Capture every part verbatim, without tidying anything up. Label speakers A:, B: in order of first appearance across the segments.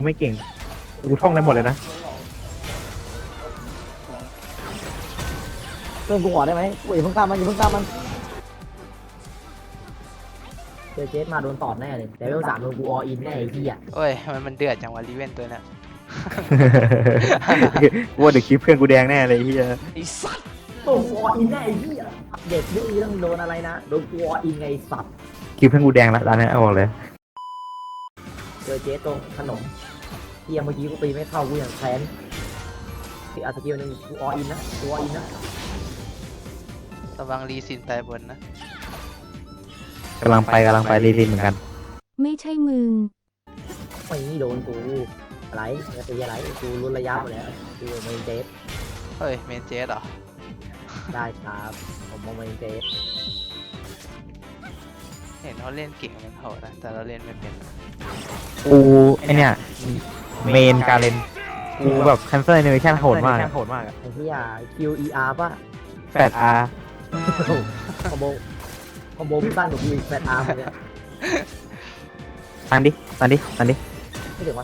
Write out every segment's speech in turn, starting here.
A: ไม่เก่งกูท่องได้หมดเลยนะ
B: เพื่อนกูขอได้ไหมกูอย่าเพิ่งตามมันอย่าเพิ่งตามมันเจอเจสมาโดนตอดแน่เลยแต่เวลสามโดนกูออินแน่ไอ้ที่อ่ะ
C: โอ้ยทำไมมันเดือดจังวะรีเวนตัวน่ะ
A: กูว่าเดี๋ยวคลิปเพื่อนกูแดงแน่เลยที่จะ
C: ไอ้สัส
B: โดนกูออินแน่ไอ้ที่อ่ะเด็กดื้อต้องโดนอะไรนะโดนกูออินไงสัตว์
A: คลิปเพื่อนกูแดงละร้านนี้เอาบอกเลย
B: เจอเจสตรงขนมที่เมื่อกี้กูตีไม่เข้ากูอย่างแค้นที่อาสกิลหนึ่งกูออินนะกูออินนะ
C: ระวังรีซินตายบนนะ
A: กำลังไปกำลังไปรีซินเหมือนกัน
D: ไม่ใช่มึง
B: ไม่นี่โดนกูอะไรจะตีอะไรกูรุนระยะหมดแล้วกูไม่เจส
C: เฮ้ยเมนเจสเหรอ
B: ได้ครับผมมองไม่เจส
C: เห็นเขาเล่นเก่งเป็นโหดนะแต่เราเล่นไม่เป็น
A: กูไอเนี่ยเมนการเล่นกูแบบคันเซิลเนเวชั่นโหดมากโหดมาก
B: ไอ้ที่อ่ะ คิว อี อาร์ ป่ะ
A: แปดอาร์
B: คอมโบคอมโบพี่บ้านกับพี่แฟนอาร์มเนี่ย
A: ตันดิตันดิตันดิ
B: ไม่ถึงวะ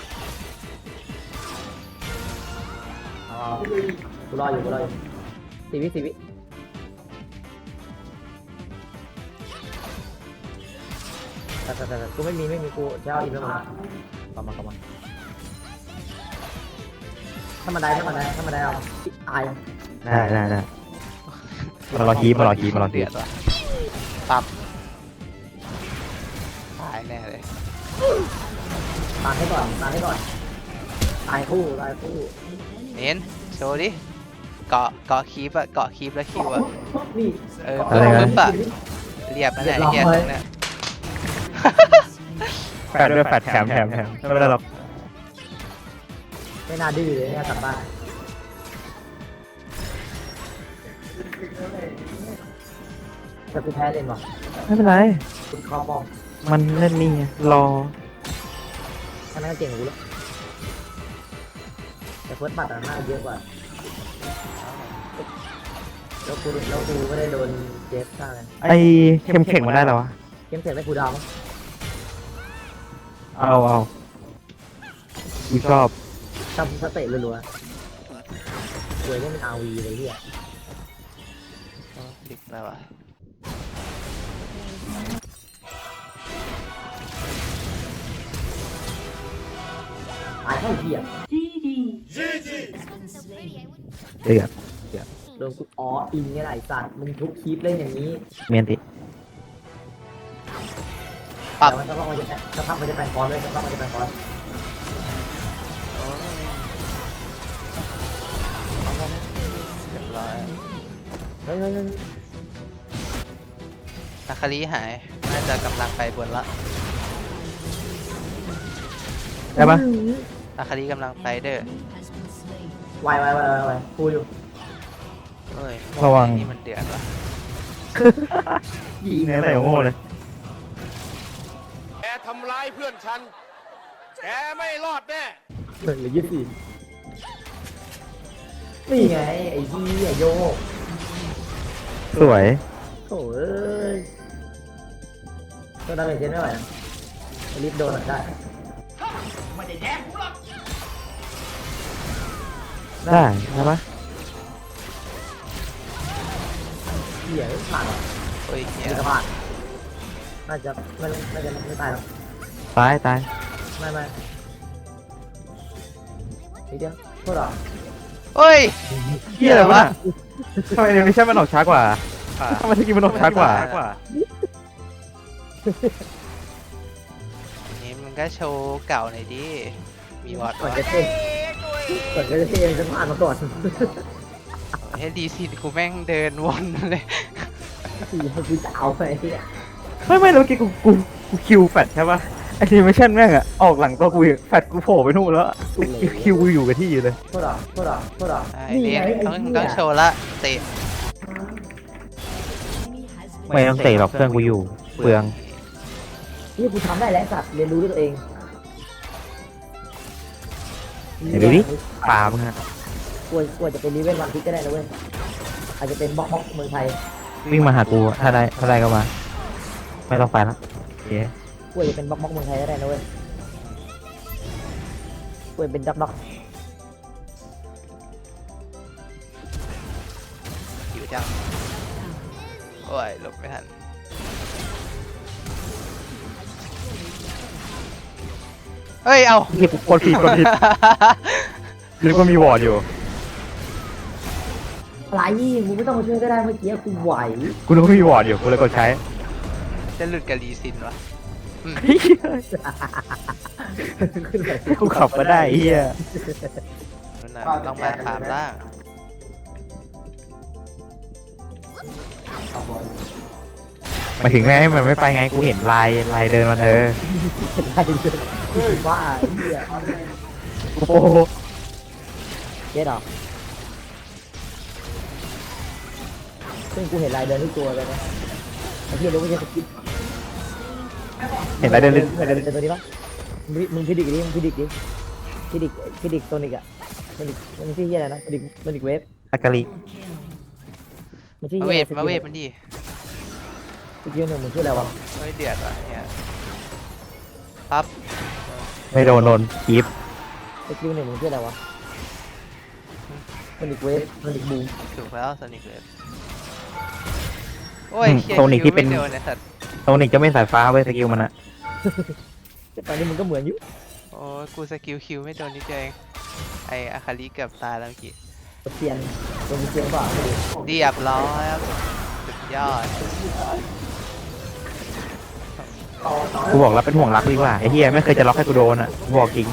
B: อ๋อกูรออยู่กูรออยู่สี่วิสี่วิแต่แต่แต่กูไม่มีไม่มีกูจะเอาอินแล้วมากลับมากลับมาถ้ามันได้ถ้ามันได้ถ้ามันได้เอาตาย
A: ได้ได้ได้มารอคีมารอคีมารอคี
C: เดือดว่ะปั๊บตายแน่เลย
B: ตายให้ก่อนตายให้ก่อนตายคู่ตายคู่
C: เน้นโชว์ดิเกาะเกาะคีบอะเกาะคีบแล้วคิวอะ
B: นี่
C: เออปึ๊บอะเรียบนั่นแหละไอ้เฮียตรงเนี้ย
A: แฟดด้วยแฟดแถมแถมแถมไม่เป็นไรหรอก
B: ไม่น่าดื้อเลยเนี่ยกลับบ้านแต่กูแพ้เล่นว่ะ
A: ไม่เป็นไร
B: คุณคอมอง
A: มันเล่นนี่ไงรอ
B: แค่นั้นก็เก่งกว่ากูแล้วแต่เฟิร์สบัตรน่าเยอะกว่าแล้วกูแล้วกูไม่ได้โดนเจฟฆ่าไง
A: ไอเข้มเข่งมาได้แล้ววะ
B: เกมเสร็จได้กูดาวมั้ง
A: เอาเอากูชอบ
B: ทำสเตตรัวๆรวยก็เป็นอาวีเลยเฮีย
C: ดิกแล้วอะ
B: ตายแค่เฮีย
A: เดือด
B: โดนกูอ๋ออินไงล่ะไอ้สัตว์มึงทุกคลิปเล่นอย่างนี้
A: เมียนติ
C: ปั๊บ
B: แต่มันจะพักมันจะจะพักมันจะแปลงคอนเลยจะพักมันจะแปลงคอน
C: เรียบร้อย
B: เฮ้ยเฮ้ยเฮ้ย
C: นาคารีหายน่าจะกำลังไปบนละ
A: ได้ปะ
C: นาคารีกำลังไปเด้อ
B: ไวไวไวไวไวกูอยู่
C: เอ้ย
A: ระวัง
C: นี่มันเดือดว่ะ
A: ยิงในใส่โง่เลย
E: แกทำร้ายเพื่อนฉัน แกไม่รอดแน่
B: เหลือยี่สิบสี่นี่ไงไอ้ที่ไอ้โยก
A: สวย
B: โถ่เอ้ยก็ได้เป็นเช่นไม่ไหวนะรีบโดนหน่อยได้
A: ได้ได้ปะ
B: เหี้ยผ่านหรอ
C: โอ้ยเฮีย
B: มีกระผ่านน่าจะไม่น่าจะไม่ตายหรอก
A: ตายตาย
B: ไม่ไม่นิดเดียวโทษหรอ
C: โอ้ย
A: เฮียอะไรวะทำไมไม่ใช่มันออกช้ากว่าทำไมที่กินมันออกช้ากว่า
C: นี่มันก็โชว์เก่าหน่อยดิ มีวอด
B: ก่อน
C: วะ
B: จะเต้นก่อนจะเต้นจะผ่านมาก่อน
C: ให้ดีสิกูแม่งเดินวนเลย
B: สี่ให้กูจะเอาไปที่
A: ไม่ไม่แล้วเมื่อกี้กูกูกูคิวแฟดใช่ปะไอทีไม่ใช่แม่งอะออกหลังตัวกูอีกแฟดกูโผล่ไปนู่นแล้วคิวคิวกูอยู่กับที่อยู่เลย
B: โทษหรอโทษหรอโทษหรอ
C: ไอ้เลี้ยงต้องต้องโชว์ละเตะ
A: ไม่ต้องเตะหรอกเพื่อนกูอยู่เปลือง
B: นี่กูทำได้แล้วสัตว์เรียนรู้ด้วยตัวเอง
A: เดี๋ยวดูดิปลามึงฮะ
B: กลัวกลัวจะเป็นรีเวนวันพิกก็ได้นะเว้ยอาจจะเป็นบล็อกบล็อกเมืองไทย
A: วิ่งมาหากูถ้าได้ถ้าได้ก็มา ไม่ต้องไปละโอเค
B: กลัวจะเป็นบล็อกบล็อกเมืองไทยก็ได้นะเว้ยเปิดเป็นดักดัก
C: หิวจังโอ้ยหลบไม่ทันเฮ้ยเอา
A: นี่กูกดผิดกดผิดนึกว่ามีวอร์ดอยู่
B: อะไรมึงไม่ต้องมาช่วยก็ได้เมื่อกี้กูไหว
A: กูนึกว่ามีวอร์ดอยู่กูเลยกดใช้
C: จะหลุดกับรีซินวะ
B: ขึ้นไป
A: กูขับมาได้ไอ้เฮีย
C: นั่นน่ะต้องมาถามล่าง
A: มาถึงแม่มันไม่ไปไงกูเห็นลายลายเดินมันเออ
B: ได้เลยบ้าไอ้เหี้ย
A: โอ้โห
B: เจ๊ดอกซึ่งกูเห็นลายเดินทุกตัวเลยนะไอ้เหี้ยรู้ว่าจะสกิป
A: เห็นลายเดิน
B: เดินเดินตัวนี้ปะมึงมึงพิดิกดิมึงพิดิกดิพิดิกพิดิกโซนิกอะโซนิกมันชื่อเหี้ยอะไรนะโซนิกโซนิกเวฟ
A: อากาลิ
B: มันชื่อ
C: มา
B: เหี้
C: เวย ทมาเวทมันดี
B: สกิลหนึ่งมันชื่ออะไรวะ
C: ไม่เดือดวะเนี่ยปั๊บ
A: ไม่โดนโดนกีฟ
B: สกิลหนึ่งมันชื่ออะไรวะโซนิกเวฟโซนิกบูม
C: ถูกแล้วโซนิกเลยโอ้ย
A: โซนิกที่เป็น
C: คิวไม่โดนไอ้สัตว์
A: โซนิกจะไม่สายฟ้าเว้ยสกิลมันอะ
B: แต่ตอนนี้มันก็เหมือนอยู่
C: โอ้ยกูสกิลคิวไม่โดนนิดเดียวเองไออาคาริเกือบตายแล้วเมื่อกี้
B: เซียนโดนเซียนเปล่าไม่รู้
C: เรียบร้อยครับสุดยอด
A: กูบอกแล้วเป็นห่วงรักดีกว่าไอ้เฮียไม่เคยจะล็อกให้กูโดนอะบอกจริง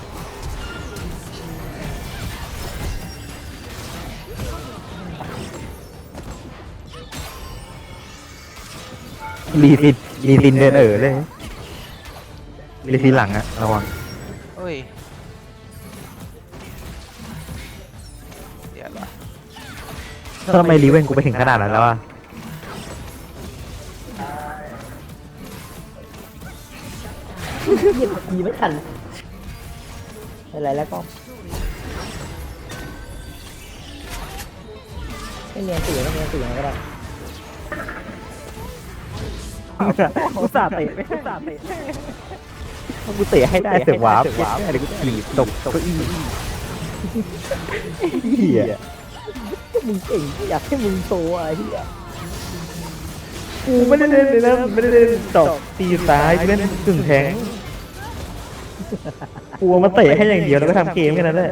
A: รีซินรีซินเดินเอ๋อเลยรีซินหลังอะระวัง
C: โอ้ยเดี๋ยวละ
A: ทำไมรีเวนกูไปถึงขนาดนั้นแล้วอะ
B: เหยียบทีไม่ทันอะไรแล้วก็ไม่เนียนสื่อไม่เนียนสื่อยังไงก็ได้
A: กูสาเตะไม่สาเตะกูเตะให้ได้เตะวาร์ปเดี๋ยวกูถีบตกเก้าอี้เหี้ย
B: มึงเก่งอยากให้มึงโตอ่ะเฮีย
A: กูไม่ได้เล่นเลยนะไม่ได้เล่นตอกตีซ้ายเล่นกึ่งแทงกูมาเตะให้อย่างเดียวแล้วก็ทำเกมแค่นั้นแหละ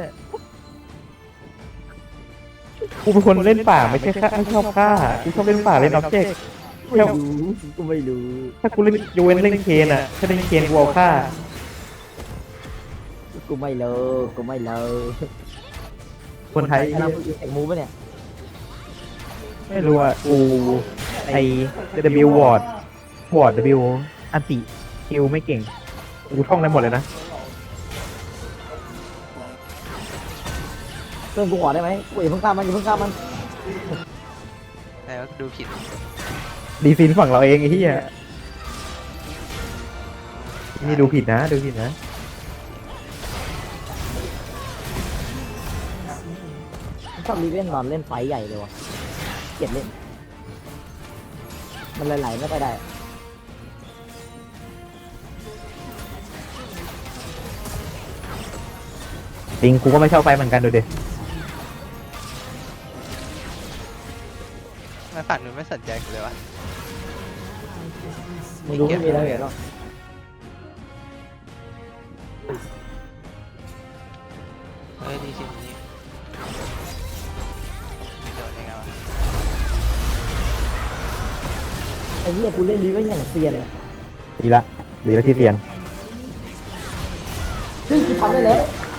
A: กูเป็นคนเล่นป่าไม่ใช่ฆ่าไม่ชอบฆ่ากูชอบเล่นป่าเล่นอ็อบเจกต์
B: ไม่รู้กูไม่รู้
A: ถ้ากูเล่นยูเวนเล่นเคนอ่ะถ้าเล่นเคนกูเอาฆ่า
B: กูไม่เลิกกูไม่เลิก
A: คนไทย
B: ไอ้เราแข่งมูปะเนี่ย
A: ไม่รู้อ่ะกูไอ W วอร์ดวอร์ด W อันติคิวไม่เก่งกูท่องได้หมดเลยนะ
B: เพื่อนกูขอได้ไหมกูอย่าเพิ่งฆ่ามันอย่าเพิ่งฆ่ามัน
C: ไหนว่าดูผิด
A: ดีซินฝั่งเราเองไอ้ที่อ่ะนี่ดูผิดนะดูผิดนะ
B: ชอบรีเล่นนอนเล่นไฟใหญ่เลยวะเกลียดเล่นมันไหลๆไม่ค่อยได้
A: จริงกูก็ไม่ชอบไฟเหมือนกันดูดิ
C: ไม่ฝั่งนู้นไม่สนใจกูเลยวะ
B: ไม่รู้ไม่มีอะไรหรอก
C: เฮ้ยดีจริงนี้โดนยังไงวะ
B: ไอ้เหี้ยกูเล่นรีเล่นอย่างเซียนอะ
A: ดีละดีละที่เรียน
B: ซึ่งกูทำได้แล้ว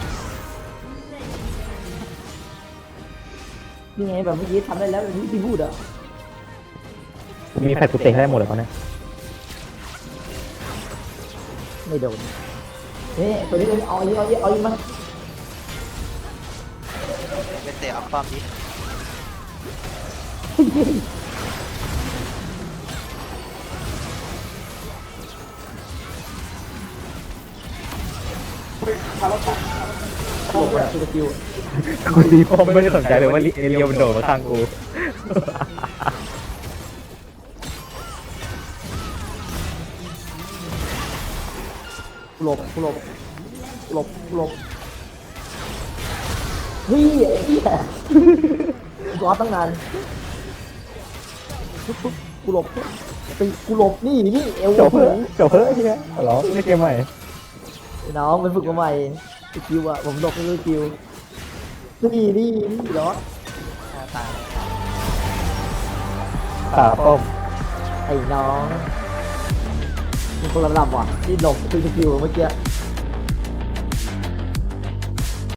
B: นี่ไงแบบเมื่อกี้ทำได้แล้วแบบที่พี่พูดอ่ะ
A: มีแฟดกูเตะให้ได้หมดเลยตอนนี้
B: ไม่โดนเฮ้ยตัวนี้เอาอีกเอาอีกเอาอีกมา
C: ไปเตะออกป้อมดิ
B: โอ้โหสกิล
A: กูดีพอไม่ได้สนใจเลยว่าเอเรียวมันโดดมาข้างกู
B: หลบหลบหลบหลบเฮ้ยไอ้เหี้ยกูรอตั้งนานปุ๊บปุ๊บกูหลบตีกูหลบนี่นี่เอว
A: จบเพิ่จบเพิ่ไอ้เหี้ยเหรอไม่เกมใหม่
B: น้องไปฝึกมาใหม่ไอ้คิวอะผมหลบไม่รู้คิวนี่นี่นี่เหรอ
C: ตาย
A: ขาป้อม
B: ไอ้น้องมีคนละลำว่ะที่หลบคือคิวเมื่อกี้